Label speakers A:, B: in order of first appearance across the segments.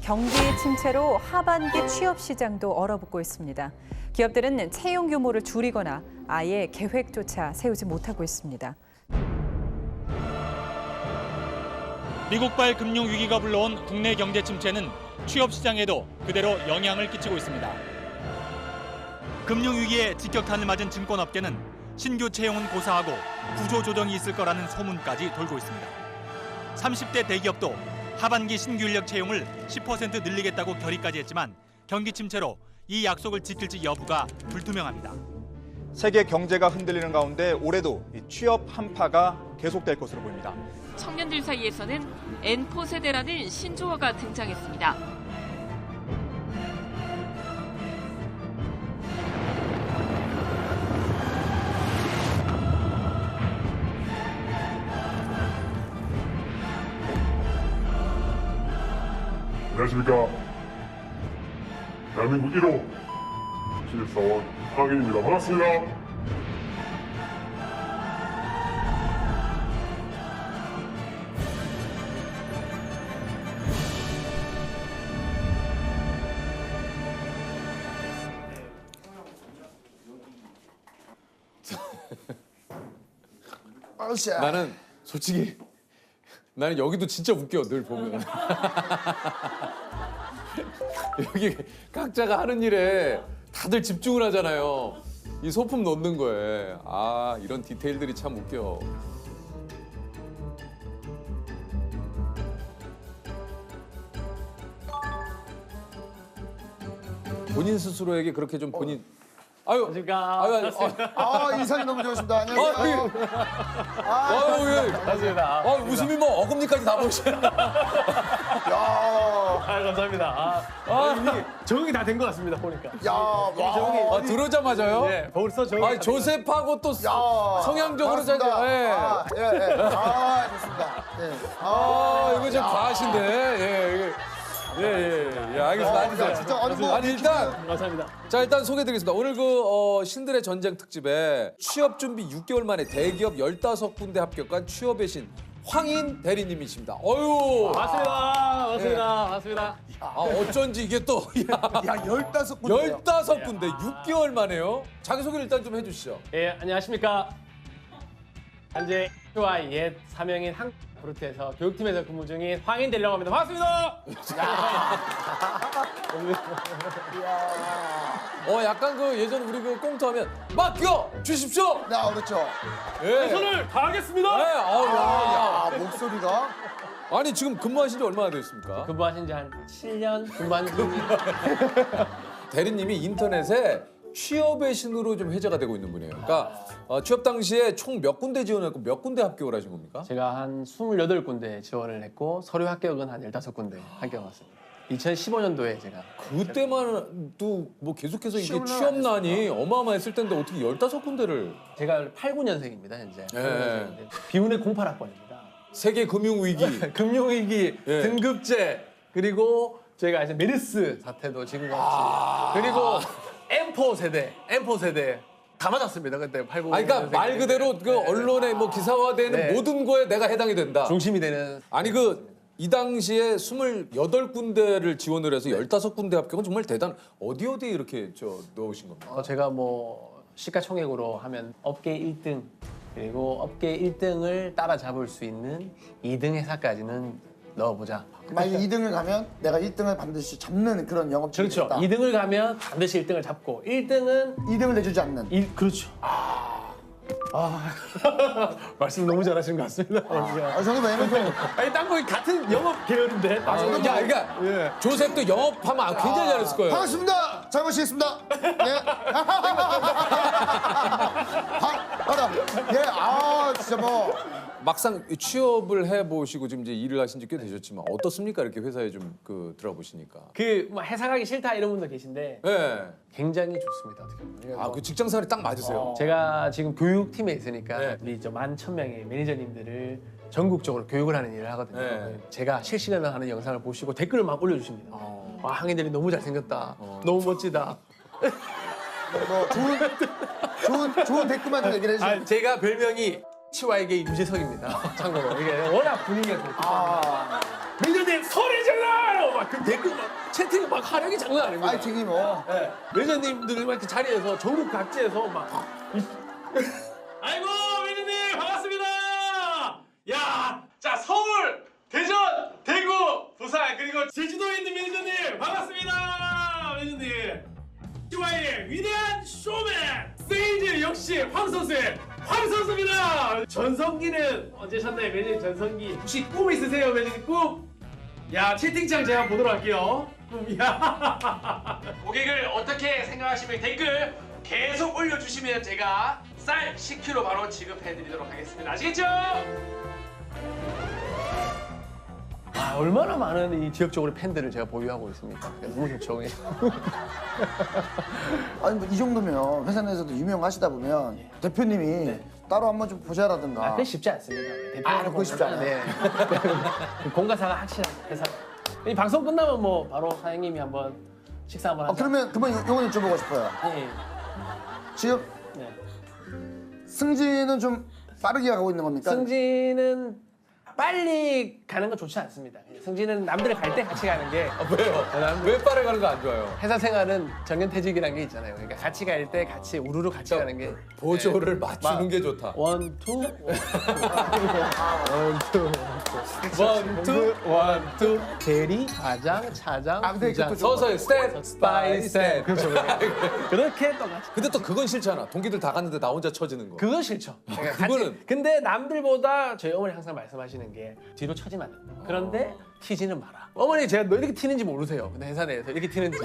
A: 경기 침체로 하반기 취업 시장도 얼어붙고 있습니다. 기업들은 채용 규모를 줄이거나 아예 계획조차 세우지 못하고 있습니다.
B: 미국발 금융위기가 불러온 국내 경제 침체는 취업 시장에도 그대로 영향을 끼치고 있습니다. 금융위기에 직격탄을 맞은 증권업계는 신규 채용은 고사하고 구조조정이 있을 거라는 소문까지 돌고 있습니다. 30대 대기업도 하반기 신규 인력 채용을 10% 늘리겠다고 결의까지 했지만 경기 침체로 이 약속을 지킬지 여부가 불투명합니다.
C: 세계 경제가 흔들리는 가운데 올해도 취업 한파가 계속될 것으로 보입니다.
D: 청년들 사이에서는 N4 세대라는 신조어가 등장했습니다.
E: 안녕하십니까. 대한민국 1호 신입사원 황인입니다. 반갑습니다.
F: 나는 솔직히 나는 여기도 진짜 웃겨 늘 보면 여기 각자가 하는 일에 다들 집중을 하잖아요. 이 소품 넣는 거에 이런 디테일들이 참 웃겨. 본인 스스로에게 그렇게 좀 본인
G: 안녕하십니까.
H: 인상이 너무 좋으십니다. 안녕하세요.
F: 반갑습니다. 웃음이 뭐 어금니까지 다 보시네.
G: 감사합니다. 이미 적응이 다 된 것 같습니다, 보니까.
F: 들어오자마자요?
G: 네, 벌써 적응이
F: 조셉하고 또 성향적으로 잘.
H: 좋습니다. 예.
F: 이거 좀 과하신데. 알겠습니다. 앉으세요.
H: 진짜
F: 아니 일단
G: 감사합니다.
F: 자 일단 소개드리겠습니다. 오늘 신들의 전쟁 특집에 취업 준비 6개월 만에 대기업 15군데 합격한 취업의 신 황인 대리님이십니다.
G: 맞습니다.
F: 어쩐지 이게 또
H: 15군데.
F: 15군데 6개월 만에요. 자기소개를 일단 좀 해주시죠.
G: 예, 안녕하십니까. 현재 H와 옛 사명인 한국브루트에서 교육팀에서 근무 중인 황인 대리라고 합니다. 반갑습니다.
F: 약간 예전 우리 꽁트하면 맡겨 주십시오.
H: 그렇죠.
G: 최선을 다하겠습니다.
H: 목소리가.
F: 아니 지금 근무하신 지 얼마나 되셨습니까?
G: 근무하신 지 한 7년 근무한 중입니다.
F: 대리님이 인터넷에 취업의 신으로 좀 회자가 되고 있는 분이에요. 그러니까 취업 당시에 총 몇 군데 지원했고 몇 군데 합격을 하신 겁니까?
G: 제가 한 28군데 지원을 했고 서류 합격은 한 15군데 합격했습니다. 2015년도에 제가
F: 그때만 또 뭐 계속해서 이게 취업난이 어마어마했을 텐데 어떻게 15군데를
G: 제가 89년생입니다, 현재.
F: 네.
G: 비운의 08학번입니다.
F: 세계 금융위기
G: 금융위기,
F: 예.
G: 등급제, 그리고 저희가 이제 메르스 사태도 지금 같이 그리고 M4 세대 다 맞았습니다. 그때 89.
F: 그러니까 말 그대로 언론에 뭐 기사화되는
G: 네.
F: 모든 거에 내가 해당이 된다.
G: 중심이 되는.
F: 아니 이 당시에 28군데를 지원을 해서 15군데 합격은 정말 대단. 어디 이렇게 넣으신 겁니까?
G: 제가 뭐 시가총액으로 하면 업계 1등 그리고 업계 1등을 따라잡을 수 있는 2등 회사까지는 넣어보자.
H: 만약 2등을 가면 내가 1등을 반드시 잡는 그런 영업직이
G: 그렇죠.
H: 있다.
G: 2등을 가면 반드시 1등을 잡고 1등은
H: 2등을 내주지 않는.
G: 그렇죠. 말씀 너무 잘하시는 것 같습니다.
H: 저는 왜냐면 좀
G: 아니 딴 거 같은 영업 계열인데.
F: 그러니까 조셉도 영업하면 굉장히 잘했을 거예요.
H: 반갑습니다. 잘 모시겠습니다. 예. 진짜 뭐.
F: 막상 취업을 해보시고 지금 이제 일을 하신 지 꽤 되셨지만 어떻습니까? 이렇게 회사에 좀 들어보시니까.
G: 뭐 회사 가기 싫다 이런 분도 계신데
F: 네.
G: 굉장히 좋습니다. 어떻게 보면.
F: 그 직장 생활이 딱 맞으세요.
G: 제가 지금 교육팀에 있으니까
F: 네.
G: 우리 11,000명의 매니저님들을 전국적으로 교육을 하는 일을 하거든요.
F: 네.
G: 제가 실시간으로 하는 영상을 보시고 댓글을 막 올려주십니다. 황인들이 너무 잘생겼다. 너무 멋지다.
H: 뭐 좋은 댓글만 좀 얘기를 해주세요.
G: 제가 별명이 치와에게 유재석입니다. 참고로 이게 워낙 분위기가 좋고. 매니저님 소리 질러! 막그 댓글 막 채팅이 막 화력이 장난 아닙니다.
H: 파이팅이 뭐.
G: 네. 매니저님들이 막 이렇게 자리에서 전국 각지에서 막
I: 아이고 매니저님 반갑습니다. 야, 자 서울, 대전, 대구, 부산 그리고 제주도에 있는 매니저님 반갑습니다. 매니저님. TY의 위대한 쇼맨 세이즈 역시 황 선수의 황 선수입니다. 전성기는 언제 셨나요 매니저님 전성기? 혹시 꿈 있으세요 매니저님 꿈? 야 채팅창 제가 보도록 할게요. 야 고객을 어떻게 생각하시면 댓글 계속 올려주시면 제가 쌀 10kg 바로 지급해드리도록 하겠습니다. 아시겠죠?
G: 아, 얼마나 많은 이 지역적으로 팬들을 제가 보유하고 있습니까? 너무 좋죠.
H: 아니 뭐 이 정도면 회사 내에서도 유명하시다 보면 대표님이 따로 한번 좀 보자라든가.
G: 아, 그게 쉽지 않습니다.
H: 그거 쉽지 않아요?
G: 네. 그 공과사가 확실한 회사. 이 방송 끝나면 뭐 바로 사장님이 한번 식사 한번 하자.
H: 그러면 그만 요건 여쭤보고 싶어요.
G: 네.
H: 지금
G: 네.
H: 승진은 좀 빠르게 가고 있는 겁니까?
G: 승진은 빨리 가는 건 좋지 않습니다. 승진은 남들 갈 때 같이 가는 게
F: 왜요? 왜 빠르게 가는 거 안 좋아요?
G: 회사 생활은 정년퇴직이라는 게 있잖아요. 그러니까 같이 갈 때 같이 우르르 같이 가는 게
F: 보조를 맞추는 게 좋다.
G: 원, 투.
F: 원투
G: 대리, 과장, 차장,
H: 근데
G: 부장.
H: 그것도
F: 서서히 스텝 바이 스텝.
G: 그렇죠. 그렇게 똑같이.
F: 근데 또 그건 싫잖아. 동기들 다 갔는데 나 혼자 처지는 거.
G: 그건 싫죠. 그러니까
F: 그거는-
G: 근데 남들보다 저희 어머니 항상 말씀하시는 게 뒤로 처지면 안 된다. 그런데 튀지는 마라. 어머니 제가 너 이렇게 튀는지 모르세요. 근데 회사 내에서 이렇게 튀는지.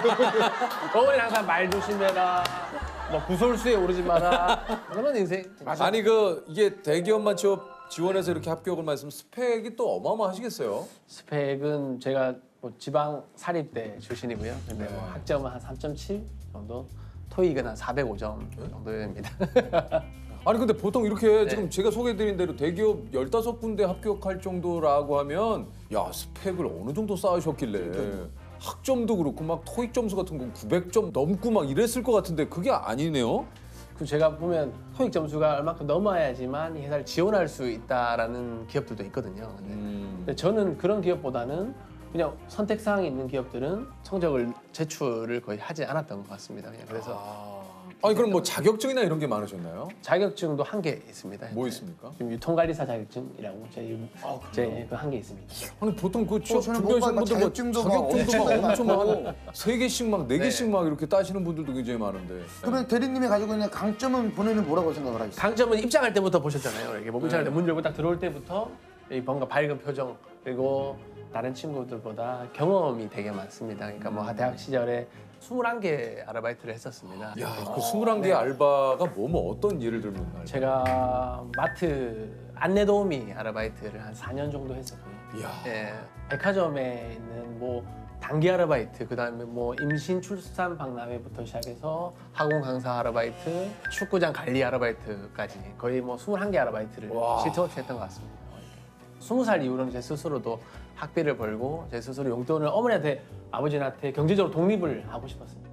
G: 어머니 항상 말 조심해라. 뭐 구설수에 오르지 마라. 그런 인생.
F: 아니 이게 대기업만 취업 지원해서 이렇게 합격을 말씀 스펙이 또 어마어마하시겠어요?
G: 스펙은 제가 뭐 지방 사립대 출신이고요. 근데 뭐 학점은 한 3.7 정도. 토익은 한 405점 정도 됩니다.
F: 아니 근데 보통 이렇게 지금 제가 소개해드린 대로 대기업 15군데 합격할 정도라고 하면 야 스펙을 어느 정도 쌓으셨길래 학점도 그렇고 막 토익 점수 같은 건 900점 넘고 막 이랬을 것 같은데 그게 아니네요?
G: 그 제가 보면 토익 점수가 얼마큼 넘어야지만 이 회사를 지원할 수 있다라는 기업들도 있거든요. 근데 저는 그런 기업보다는 그냥 선택 사항이 있는 기업들은 성적을 제출을 거의 하지 않았던 것 같습니다. 그냥 그래서
F: 아니 그럼 뭐 자격증이나 이런 게 많으셨나요?
G: 자격증도 한 개 있습니다.
F: 뭐 있습니까?
G: 지금 유통관리사 자격증이라고 제 그 한 개 있습니다.
F: 아니 보통 그 취업
H: 저는
F: 준비하시는
H: 뭔가
F: 분들 뭐
H: 자격증도 막
F: 자격증도 막 엄청
H: 많고.
F: 막 3개씩 막 4개씩 막 이렇게 따시는 분들도 굉장히 많은데
H: 그러면 대리님이 가지고 있는 강점은 본인은 뭐라고 생각을 하겠어요?
G: 강점은 입장할 때부터 보셨잖아요. 이렇게 뭐 입장할 때 문 열고 딱 들어올 때부터 이 뭔가 밝은 표정 그리고 다른 친구들보다 경험이 되게 많습니다. 그러니까 뭐 대학 시절에 21개 아르바이트를 했었습니다.
F: 야, 그 21개 알바가 뭐 어떤 예를 들면 알바?
G: 제가 마트 안내 도우미 아르바이트를 한 4년 정도 했었고요.
F: 이야.
G: 예, 백화점에 있는 뭐 단기 아르바이트, 그다음에 뭐 임신, 출산, 박람회부터 시작해서 학원 강사 아르바이트, 축구장 관리 아르바이트까지 거의 뭐 21개 아르바이트를 시트워치 했던 것 같습니다. 20살 이후로는 제 스스로도 학비를 벌고 제 스스로 용돈을 어머니한테 아버지한테 경제적으로 독립을 하고 싶었습니다.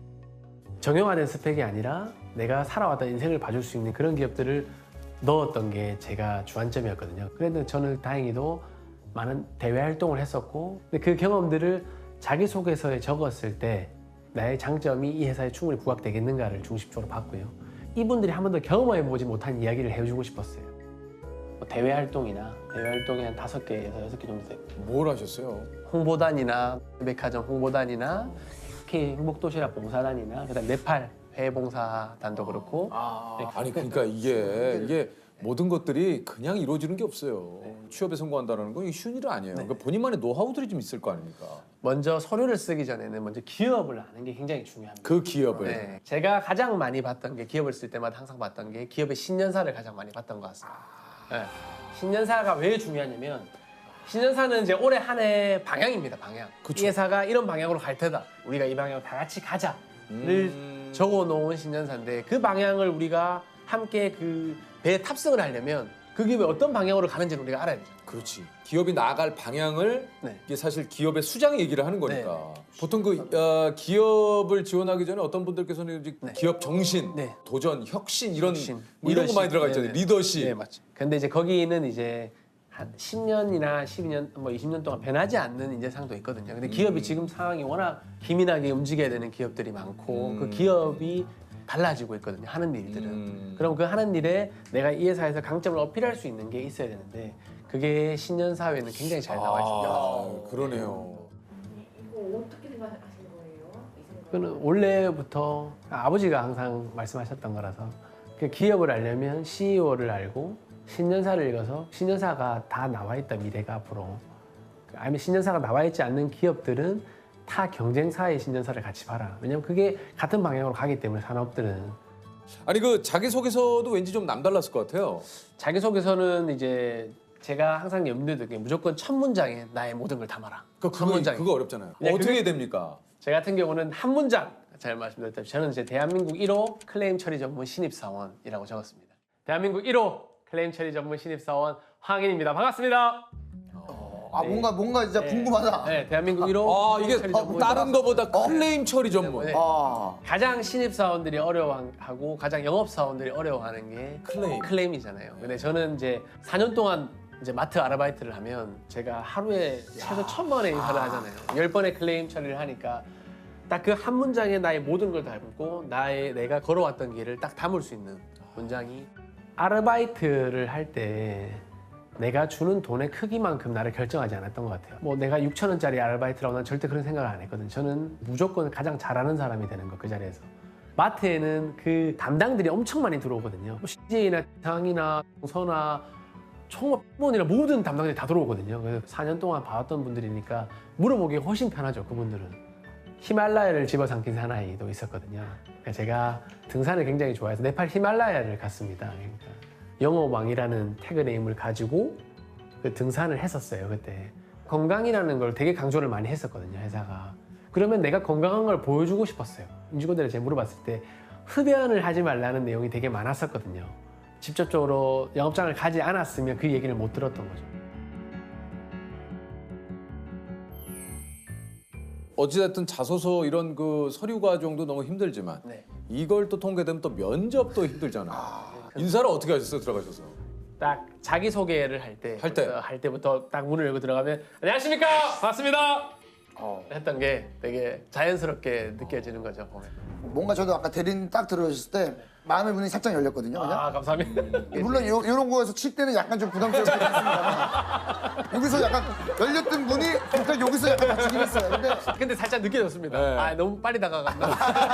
G: 정형화된 스펙이 아니라 내가 살아왔던 인생을 봐줄 수 있는 그런 기업들을 넣었던 게 제가 주안점이었거든요. 그런데 저는 다행히도 많은 대외 활동을 했었고 근데 그 경험들을 자기소개서에 적었을 때 나의 장점이 이 회사에 충분히 부각되겠는가를 중심적으로 봤고요. 이분들이 한 번도 경험해보지 못한 이야기를 해주고 싶었어요. 뭐 대외 활동이나 대외 활동이 한 5개에서 6개 정도 되고
F: 뭘 하셨어요?
G: 홍보단이나 백화점 홍보단이나 K 행복도시락 봉사단이나 그다음 네팔 회봉사단도 그렇고
F: 아니 그러니까 이게 모든 것들이 그냥 이루어지는 게 없어요. 취업에 성공한다는 건 이게 쉬운 일은 아니에요. 그러니까 본인만의 노하우들이 좀 있을 거 아닙니까?
G: 먼저 서류를 쓰기 전에는 먼저 기업을 아는 게 굉장히 중요합니다.
F: 그 기업을.
G: 네. 제가 가장 많이 봤던 게 기업을 쓸 때마다 항상 봤던 게 기업의 신년사를 가장 많이 봤던 것 같습니다. 네. 신년사가 왜 중요하냐면 신년사는 이제 올해 한 해 방향입니다. 방향. 이 회사가 이런 방향으로 갈 테다. 우리가 이 방향으로 다 같이 가자를 적어놓은 신년사인데 그 방향을 우리가 함께 그 배에 탑승을 하려면 그 기업이 어떤 방향으로 가는지를 우리가 알아야 되죠.
F: 그렇지. 기업이 나아갈 방향을
G: 네.
F: 이게 사실 기업의 수장 얘기를 하는 거니까. 보통 기업을 지원하기 전에 어떤 분들께서는 이제 기업 정신,
G: 네.
F: 도전, 혁신 이런
G: 혁신,
F: 뭐 이런 거 많이
G: 리더십.
F: 들어가 있잖아요.
G: 네네.
F: 리더십.
G: 네, 맞죠. 근데 이제 거기는 이제 한 10년이나 12년, 뭐 20년 동안 변하지 않는 인재상도 있거든요. 근데 기업이 지금 상황이 워낙 기민하게 움직여야 되는 기업들이 많고 그 기업이 달라지고 있거든요. 하는 일들은. 그럼 그 하는 일에 내가 이 회사에서 강점을 어필할 수 있는 게 있어야 되는데 그게 신년 사회에는 굉장히 잘 나와 있습니다.
F: 아, 그러네요.
J: 이거 어떻게 생각하시는 거예요?
G: 그는 원래부터 아버지가 항상 말씀하셨던 거라서 그 기업을 알려면 CEO를 알고 신년사를 읽어서 신년사가 다 나와 있다 미래가 앞으로. 아니면 신년사가 나와 있지 않는 기업들은 타 경쟁사의 신년사를 같이 봐라. 왜냐면 그게 같은 방향으로 가기 때문에 산업들은.
F: 아니 그 자기소개서도 왠지 좀 남달랐을 것 같아요.
G: 자기소개서는 이제 제가 항상 염두에 두는 게 무조건 첫 문장에 나의 모든 걸 담아라.
F: 그거 어렵잖아요.
G: 그냥
F: 어떻게
G: 그게-
F: 됩니까?
G: 제 같은 경우는 한 문장 잘 말씀드렸다시피 저는 이제 대한민국 1호 클레임 처리 전문 신입사원이라고 적었습니다. 대한민국 1호 클레임 처리 전문 신입사원 황인입니다. 반갑습니다.
H: 아 뭔가 진짜 궁금하다.
G: 네, 대한민국 1호
F: 아
G: 클레임
F: 이게
G: 처리 전문
F: 다른 거보다 클레임 처리 전문.
G: 네.
H: 아
G: 가장 신입사원들이 어려워하고 가장 영업사원들이 어려워하는 게 클레임이잖아요. 근데 저는 이제 4년 동안 이제 마트 아르바이트를 하면 제가 하루에 최소 1000번의 인사를 하잖아요. 10번의 클레임 처리를 하니까 딱 그 한 문장에 나의 모든 걸 담고 내가 걸어왔던 길을 딱 담을 수 있는 문장이 아르바이트를 할 때 내가 주는 돈의 크기만큼 나를 결정하지 않았던 것 같아요. 뭐 내가 6,000원짜리 아르바이트라고 난 절대 그런 생각을 안 했거든요. 저는 무조건 가장 잘하는 사람이 되는 거 그 자리에서. 마트에는 그 담당들이 엄청 많이 들어오거든요. 뭐 CJ나 상이나 동서나 총무원이나 모든 담당들이 다 들어오거든요. 그래서 4년 동안 봐왔던 분들이니까 물어보기 훨씬 편하죠. 그분들은. 히말라야를 집어삼킨 사나이도 있었거든요. 그러니까 제가 등산을 굉장히 좋아해서 네팔 히말라야를 갔습니다. 그러니까 영어왕이라는 태그네임을 가지고 그 등산을 했었어요. 그때 건강이라는 걸 되게 강조를 많이 했었거든요. 회사가. 그러면 내가 건강한 걸 보여주고 싶었어요. 임직원들이 제가 물어봤을 때 흡연을 하지 말라는 내용이 되게 많았었거든요. 직접적으로 영업장을 가지 않았으면 그 얘기를 못 들었던 거죠.
F: 어찌됐든 자소서 이런 그 서류 과정도 너무 힘들지만
G: 네.
F: 이걸 또 통과되면 또 면접도 힘들잖아요. 인사를 어떻게 하셨어요? 들어가셔서.
G: 딱 자기소개를 할 때부터 딱 문을 열고 들어가면 안녕하십니까 반갑습니다 했던 게 되게 자연스럽게 느껴지는 거죠. 보면.
H: 뭔가 저도 아까 대리님 딱 들어오셨을 때 마음의 문이 살짝 열렸거든요. 그냥.
G: 아 감사합니다.
H: 물론 이런 거에서 칠 때는 약간 좀 부담스럽긴 했습니다만 여기서 약간 열렸던 문이 일단 여기서 약간 닫히긴 했어요.
G: 근데 살짝 느껴졌습니다.
F: 네.
G: 아 너무 빨리 다가갔나.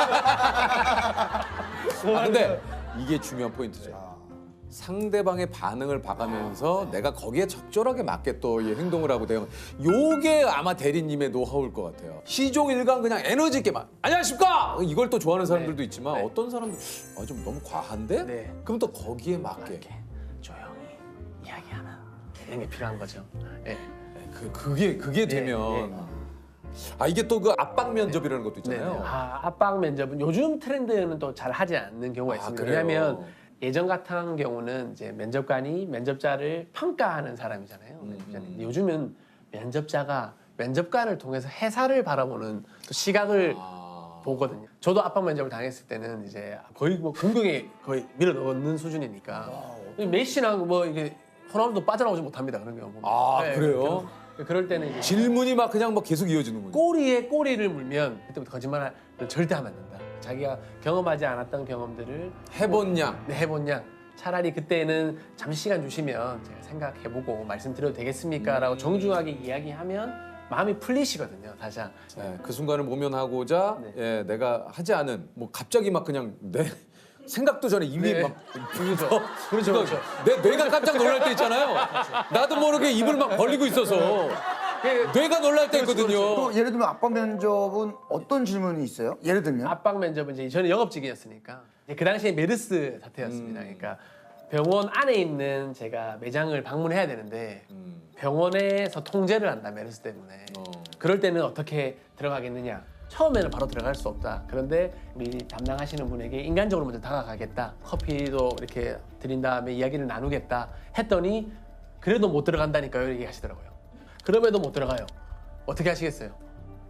F: 아, 근데 이게 중요한 포인트죠. 상대방의 반응을 봐가면서 내가 거기에 적절하게 맞게 또 이 행동을 하고 대응. 요게 아마 대리님의 노하우일 것 같아요. 시종일관 그냥 에너지 있게 막 안녕하십니까 이걸 또 좋아하는 사람들도 있지만
G: 네.
F: 어떤 사람들 좀 너무 과한데?
G: 네.
F: 그럼 또 거기에 맞게.
G: 이렇게 조용히 이야기하는 이런 게 필요한 거죠. 네.
F: 그게 되면 아 이게 또 그 압박 면접이라는 것도 있잖아요.
G: 네. 아 압박 면접은 요즘 트렌드는 또 잘 하지 않는 경우가 있습니다.
F: 그래요?
G: 왜냐하면 예전 같은 경우는 이제 면접관이 면접자를 평가하는 사람이잖아요. 근데 요즘은 면접자가 면접관을 통해서 회사를 바라보는 또 시각을 보거든요. 저도 압박 면접을 당했을 때는 이제 거의 뭐 공경에 거의 밀어 넣는 수준이니까 메시랑 뭐 이게 호날두도 빠져나오지 못합니다. 그런 경우 보면.
F: 아, 그래요?
G: 그럴 때는 이제
F: 질문이 막 그냥 막 계속 이어지는군요.
G: 꼬리에 꼬리를 물면 그때부터 거짓말을 절대 하면 안 된다. 자기가 경험하지 않았던 경험들을
F: 해본 양.
G: 네, 해본 양. 차라리 그때는 잠시 시간 주시면 제가 생각해보고 말씀드려도 되겠습니까? 라고 정중하게 이야기하면 마음이 풀리시거든요. 다시.
F: 네, 그 순간을 모면하고자
G: 네.
F: 예, 내가 하지 않은 뭐 갑자기 막 그냥 내 생각도 전에 입이
G: 네.
F: 막
G: 그렇죠.
F: 내 뇌가 깜짝 놀랄 때 있잖아요. 나도 모르게 입을 막 벌리고 있어서 뇌가 놀랄 때 있거든요.
H: 또 예를 들면 압박 면접은 어떤 질문이 있어요? 예를 들면
G: 압박 면접은 이제 저는 영업직이었으니까 그 당시에 메르스 사태였습니다. 그러니까 병원 안에 있는 제가 매장을 방문해야 되는데 병원에서 통제를 한다 메르스 때문에 그럴 때는 어떻게 들어가겠느냐. 처음에는 바로 들어갈 수 없다. 그런데 우리 담당하시는 분에게 인간적으로 먼저 다가가겠다. 커피도 이렇게 드린 다음에 이야기를 나누겠다 했더니 그래도 못 들어간다니까요. 얘기하시더라고요. 그럼에도 못 들어가요. 어떻게 하시겠어요?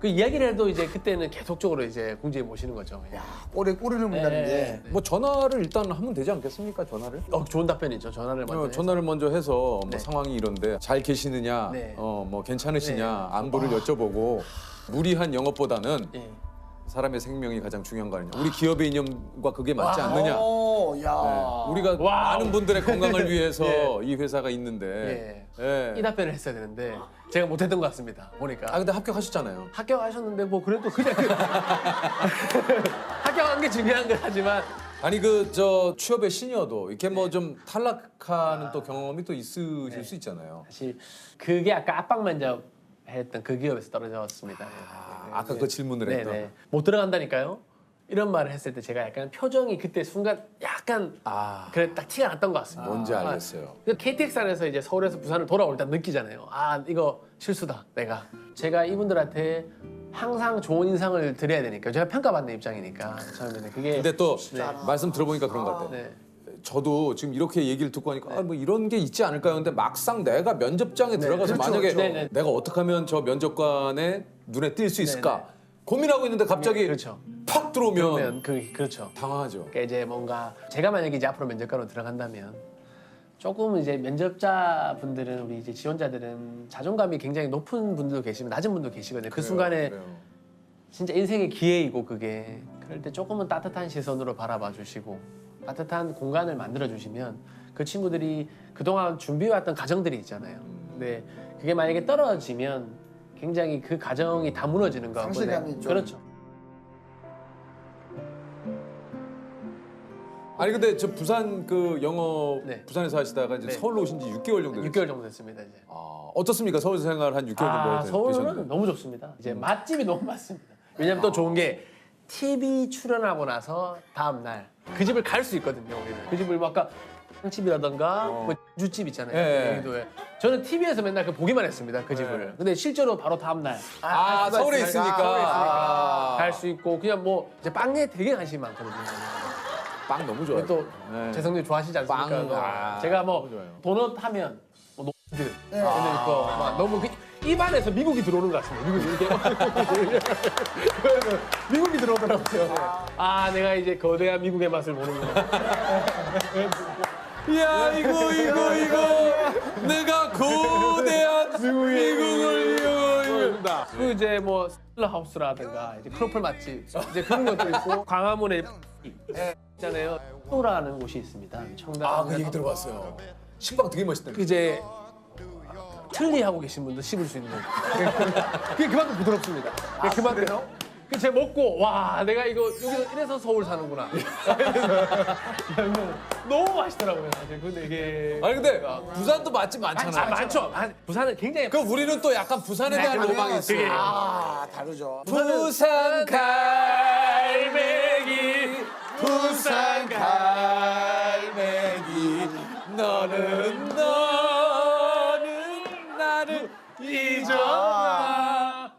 G: 그 이야기를 해도 이제 그때는 계속적으로 이제 공주에 모시는 거죠. 그냥.
H: 꼬리를 문다는 게.
F: 뭐 전화를 일단 하면 되지 않겠습니까? 전화를?
G: 좋은 답변이죠. 전화를 먼저.
F: 전화를 먼저 해서 뭐
G: 네.
F: 상황이 이런데 잘 계시느냐,
G: 네.
F: 뭐 괜찮으시냐,
G: 네.
F: 안부를 여쭤보고 무리한 영업보다는
G: 예.
F: 사람의 생명이 가장 중요한 거 아니냐. 우리 기업의 이념과 그게 맞지 않느냐.
H: 야.
F: 네. 우리가
G: 와우.
F: 많은 분들의 건강을 위해서
G: 예.
F: 이 회사가 있는데.
G: 예. 이 답변을 했어야 되는데 제가 못했던 것 같습니다. 보니까.
F: 아 근데 합격하셨잖아요.
G: 합격하셨는데 뭐 그래도 그냥 합격한 게 중요한 건 하지만
F: 아니 그 저 취업의 시니어도 이렇게 뭐 좀 탈락하는 또 경험이 또 있으실 수 있잖아요.
G: 사실 그게 아까 압박 면접 했던 그 기업에서 떨어졌습니다.
F: 아까 그 질문을 했던.
G: 네네. 못 들어간다니까요. 이런 말을 했을 때 제가 약간 표정이 그때 순간 약간 그래 딱 티가 났던 것 같습니다.
F: 뭔지 알겠어요.
G: KTX 안에서 이제 서울에서 부산을 돌아올 때 느끼잖아요. 아 이거 실수다 내가. 제가 이분들한테 항상 좋은 인상을 드려야 되니까 제가 평가받는 입장이니까 처음에는 그게.
F: 근데 또 말씀 들어보니까 그런 것 같아요.
G: 네.
F: 저도 지금 이렇게 얘기를 듣고 하니까 아, 뭐 이런 게 있지 않을까요? 근데 막상 내가 면접장에 들어가서
H: 그렇죠,
F: 만약에
H: 그렇죠.
G: 네네.
F: 내가 어떻게 하면 저 면접관의 눈에 띌 수 있을까
G: 네네.
F: 고민하고 있는데 갑자기
G: 그렇죠.
F: 팍 들어오면
G: 그러면 그렇죠.
F: 당황하죠.
G: 그러니까 이제 뭔가 제가 만약에 이제 앞으로 면접관으로 들어간다면 조금 이제 면접자 분들은 우리 이제 지원자들은 자존감이 굉장히 높은 분들도 계시면 낮은 분도 계시거든요. 그 순간에
F: 그래요.
G: 진짜 인생의 기회이고 그게 그럴 때 조금은 따뜻한 시선으로 바라봐 주시고 따뜻한 공간을 만들어 주시면 그 친구들이 그동안 준비해왔던 가정들이 있잖아요. 근데 그게 만약에 떨어지면 굉장히 그 가정이 다 무너지는 거고.
H: 상실감이 좀.
G: 그렇죠.
F: 아니 근데 저 부산 그 영업
G: 네.
F: 부산에서 하시다가 이제
G: 네.
F: 서울로 오신 지 6개월 정도 됐어요.
G: 6개월 정도 됐습니다 이제.
F: 어떻습니까? 서울 생활 한 6개월 정도
G: 서울은
F: 되셨는데.
G: 너무 좋습니다. 이제 맛집이 너무 많습니다. 왜냐면 또 좋은 게 TV 출연하고 나서 다음 날 그 집을 갈 수 있거든요. 우리는 그 집을 뭐 아까 집이라던가 뭐 주집 있잖아요.
F: 예.
G: 여기도에 저는 TV에서 맨날 그 보기만 했습니다. 그 집을. 근데 실제로 바로 다음 날
F: 서울에 있으니까
G: 갈 수 있고 그냥 뭐 이제 빵에 되게 관심이 많거든요.
F: 빵 너무 좋아요.
G: 또
F: 네.
G: 재성님 좋아하시지 않습니까?
F: 빵,
G: 뭐 제가 뭐
F: 너무 좋아요.
G: 도넛 하면 뭐 노드 이런 거 막 너무 그 입안에서 미국이 들어오는 것 같습니다. 미국이 이렇게 미국이 들어오더라고요. 아 내가 이제 거대한 미국의 맛을 모르는구나.
F: 야 이거 내가 거대한 미국을 이거
G: 그 이제 뭐 슬러하우스라든가 이제 크로플 맛집 이제 그런 것도 있고 광화문에 있잖아요. 또라는 곳이 있습니다. 청담.
F: 그 얘기 들어봤어요. 식빵 되게 맛있다.
G: 이제 틀니 하고 계신 분도 씹을 수 있는 그게 그만큼 부드럽습니다. 그만큼 그 제가 먹고 와 내가 이거 여기서 이래서 서울 사는구나. 너무 맛있더라고요 사실. 근데 이게
F: 아니 근데 부산도 맛집 많잖아요.
G: 많죠. 부산은 굉장히
F: 그 우리는 또 약간 부산에 대한 로망이 있어요.
H: 다르죠.
F: 부산 갈매기 부산 갈매기 너는 나를 잊어라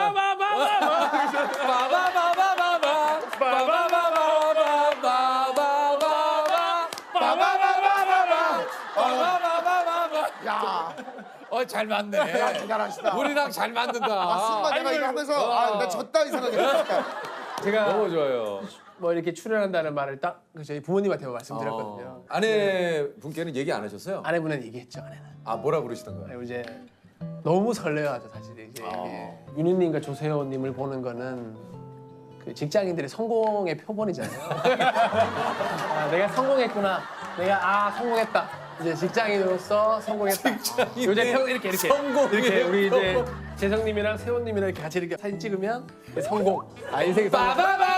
H: 야,
F: 잘 맞네.
H: 대단하시다.
F: 우리랑 잘 맞는다.
H: 순간 내가 이거 하면서 나 졌다 이 생각이 들었다.
G: 제가
F: 너무 좋아요.
G: 뭐 이렇게 출연한다는 말을 딱 저희 부모님한테 말씀드렸거든요.
F: 아내 분께는 얘기 안 하셨어요?
G: 아내분은 얘기했죠. 아내는.
F: 뭐라 그러시던가요?
G: 그리고 이제 너무 설레어하죠 사실 이제 윤희님과 조세호님을 보는 거는 그 직장인들의 성공의 표본이잖아요. 내가 성공했구나. 내가 성공했다. 이제 직장인으로서 성공했다. 요새 이렇게 이렇게 우리 이제 재성님이랑 세호님이랑 이렇게 같이 이렇게 사진 찍으면 성공. 인생의 성공.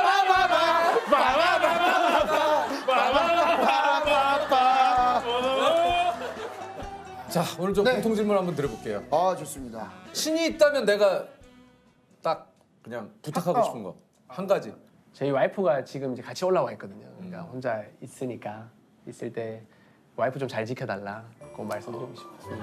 F: 자 오늘 좀 공통 질문 한번 드려볼게요.
H: 좋습니다.
F: 신이 있다면 내가 딱 그냥 부탁하고 싶은 거 한 가지.
G: 저희 와이프가 지금 이제 같이 올라와 있거든요. 그러니까 혼자 있으니까 있을 때 와이프 좀 잘 지켜달라. 그거 말씀드리고 싶었습니다.